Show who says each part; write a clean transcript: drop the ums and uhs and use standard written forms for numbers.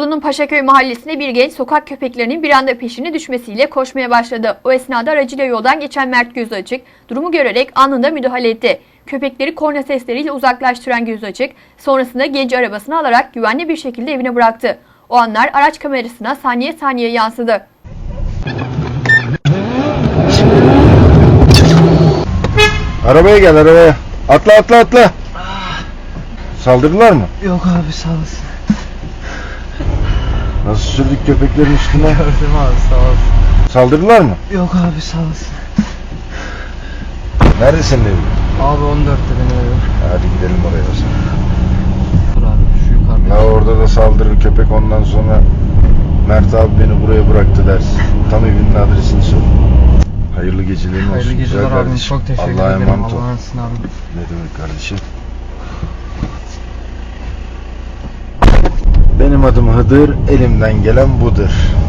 Speaker 1: Bolu'nun Paşaköy mahallesinde bir genç sokak köpeklerinin bir anda peşine düşmesiyle koşmaya başladı. O esnada aracıyla yoldan geçen Mert Gözüaçık durumu görerek anında müdahale etti. Köpekleri korna sesleriyle uzaklaştıran Gözüaçık sonrasında genci arabasına alarak güvenli bir şekilde evine bıraktı. O anlar araç kamerasına saniye saniye yansıdı.
Speaker 2: Arabaya gel, arabaya. Atla atla atla. Saldırdılar mı?
Speaker 3: Yok abi, sağ olasın.
Speaker 2: Nasıl sürdük köpeklerin üstüne?
Speaker 3: Gördüm abi, sağ olasın.
Speaker 2: Saldırdılar mı?
Speaker 3: Yok abi, sağ olasın.
Speaker 2: Nerede senin evin?
Speaker 3: Abi 14'te benim evim.
Speaker 2: Hadi gidelim oraya o zaman.
Speaker 3: Dur abi, şu yukarıda.
Speaker 2: Ya orada da saldırır köpek, ondan sonra Mert abi beni buraya bıraktı dersin. Tam evinin adresini söyle. Hayırlı gecelerin olsun.
Speaker 3: Hayırlı geceler
Speaker 2: güzel
Speaker 3: abim,
Speaker 2: kardeşim.
Speaker 3: çok teşekkür
Speaker 2: Allah'a
Speaker 3: ederim.
Speaker 2: emanet ol.
Speaker 3: Allah'a emanet abi.
Speaker 2: Ne demek kardeşim? Benim adım Hıdır, elimden gelen budur.